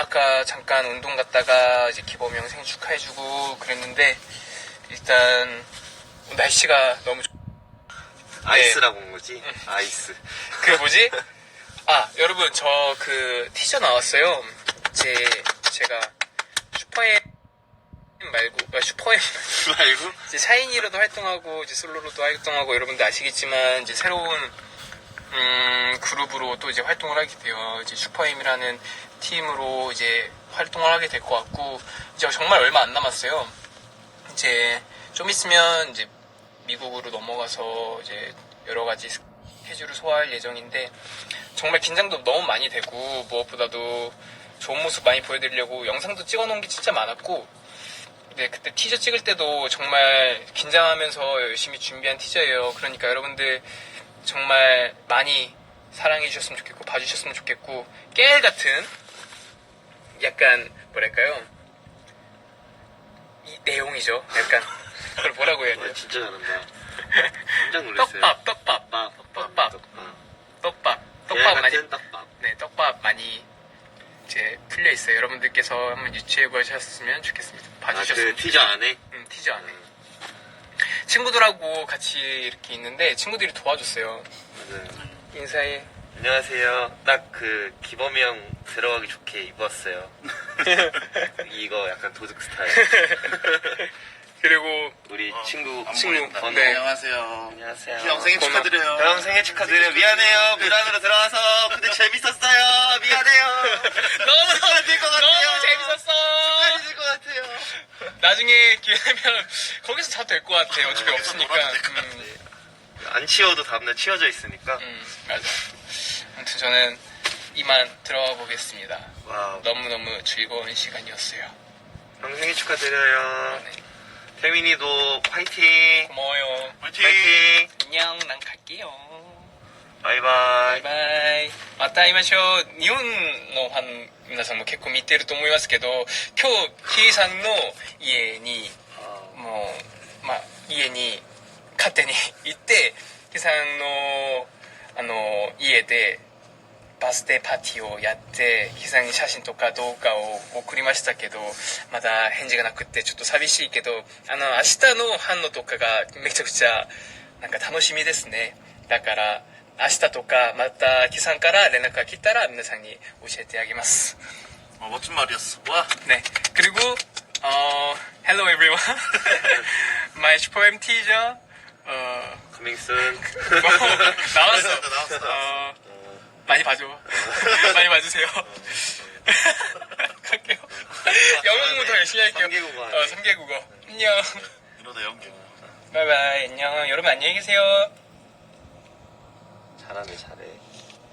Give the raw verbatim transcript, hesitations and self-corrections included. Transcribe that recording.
아까 잠깐 운동 갔다가 이제 기범이 형 생일 축하해주고 그랬는데 일단 날씨가 너무 좋... 아이스라고 온 거지? 응. 아이스. 그 뭐지? 아 여러분 저 그 티저 나왔어요. 제 제가 슈퍼엠 말고 아, 슈퍼엠 말고 이제 샤이니로도 활동하고 이제 솔로로도 활동하고 여러분들 아시겠지만 이제 새로운 음, 그룹으로 또 이제 활동을 하게 돼요. 이제 슈퍼엠이라는 팀으로 이제 활동을 하게 될 것 같고 이제 정말 얼마 안 남았어요. 이제 좀 있으면 이제 미국으로 넘어가서 이제 여러 가지 스케줄을 소화할 예정인데 정말 긴장도 너무 많이 되고 무엇보다도 좋은 모습 많이 보여드리려고 영상도 찍어놓은 게 진짜 많았고 네, 그때 티저 찍을 때도 정말 긴장하면서 열심히 준비한 티저예요. 그러니까 여러분들 정말 많이 사랑해 주셨으면 좋겠고 봐주셨으면 좋겠고 깨알 같은 약간 뭐랄까요 이 내용이죠. 약간 그걸 뭐라고 해야 돼요? 아, 진짜 잘한다. 깜짝 놀랐어요. 떡밥 떡밥 떡밥 떡밥 떡밥 떡밥 떡밥 떡밥 많이 같은 떡밥. 네 떡밥 많이 이제 풀려 있어요. 여러분들께서 한번 유치해 보셨으면 좋겠습니다. 봐주셨으면 아, 그 티저 안에? 응, 티저 안에. 친구들하고 같이 이렇게 있는데 친구들이 도와줬어요. 맞아요. 인사해. 안녕하세요. 딱 그 기범이 형 들어가기 좋게 입었어요. 이거 약간 도둑 스타일. 그리고 우리 어, 친구 안 친구 보인다. 번호. 네, 안녕하세요. 안녕하세요. 형 생일 번호. 축하드려요. 형 생일 축하드려요. 미안해요. 무단으로 들어와서 근데 재밌었어요. 미안해요. 너무 습관이 것 같아요. 너무 재밌었어. 습관이 될것 같아요. 나중에 기회되면 거기서 자도 될 것 같아요. 어차피 네, 없으니까. 놀아도 될것 음, 안 치워도 다음날 치워져 있으니까. 음, 맞아. 아무튼 저는 이만 들어가 보겠습니다. 와우. 너무너무 즐거운 시간이었어요. 형 생일 축하드려요. 네. 태민이도 화이팅. 고마워요. 화이팅! 화이팅. 안녕, 난 갈게요. 바이바이. バイバイ。また会いましょう。日本のファン皆さんも結構見てると思いますけど、今日、キイさんの家に、もう、まあ、家に勝手に行って、キイさんの、あの、家でバースデーパーティーをやって、キイさんに写真とか動画を送りましたけど、まだ返事がなくってちょっと寂しいけど、あの、明日の反応とかがめちゃくちゃ、なんか楽しみですね。だから、明日とかまたキさんから連絡が来たら皆さんに教えてあげます。 어, 멋진 말이었어. 와. 네. 그리고 어, hello everyone. My poem teacher. 어, Coming soon. 나왔어. 나왔어, 나왔어. 어, 많이 봐줘. 많이 봐주세요. 갈게요. 영어 공부 더 열심히 할게요. 삼 개 국어 하네. 어, 삼 개 국어. 안녕. 이러다 연기. 바이바이. 안녕. 여러분 안녕히 계세요. 잘하네, 잘해.